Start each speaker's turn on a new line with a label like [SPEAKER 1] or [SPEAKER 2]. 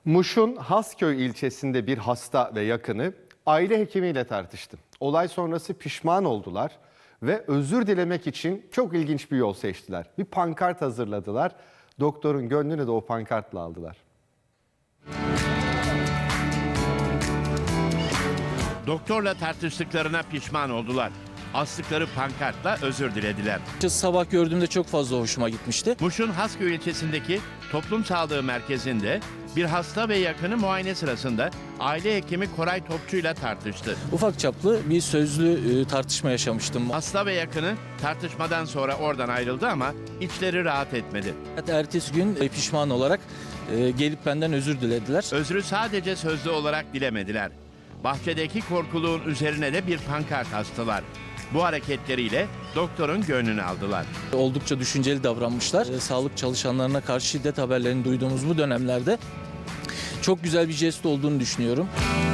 [SPEAKER 1] Muş'un Hasköy ilçesinde bir hasta ve yakını aile hekimiyle tartıştı. Olay sonrası pişman oldular ve özür dilemek için çok ilginç bir yol seçtiler. Bir pankart hazırladılar. Doktorun gönlünü de o pankartla aldılar.
[SPEAKER 2] Doktorla tartıştıklarına pişman oldular. Astıkları pankartla özür dilediler.
[SPEAKER 3] Sabah gördüğümde çok fazla hoşuma gitmişti.
[SPEAKER 2] Muş'un Hasköy ilçesindeki toplum sağlığı merkezinde bir hasta ve yakını muayene sırasında aile hekimi Koray Topçu ile tartıştı.
[SPEAKER 3] Ufak çaplı bir sözlü tartışma yaşamıştım.
[SPEAKER 2] Hasta ve yakını tartışmadan sonra oradan ayrıldı ama içleri rahat etmedi.
[SPEAKER 3] Ertesi gün pişman olarak gelip benden özür dilediler.
[SPEAKER 2] Özrü sadece sözlü olarak dilemediler. Bahçedeki korkuluğun üzerine de bir pankart astılar. Bu hareketleriyle doktorun gönlünü aldılar.
[SPEAKER 3] Oldukça düşünceli davranmışlar. Sağlık çalışanlarına karşı şiddet haberlerini duyduğumuz bu dönemlerde çok güzel bir jest olduğunu düşünüyorum.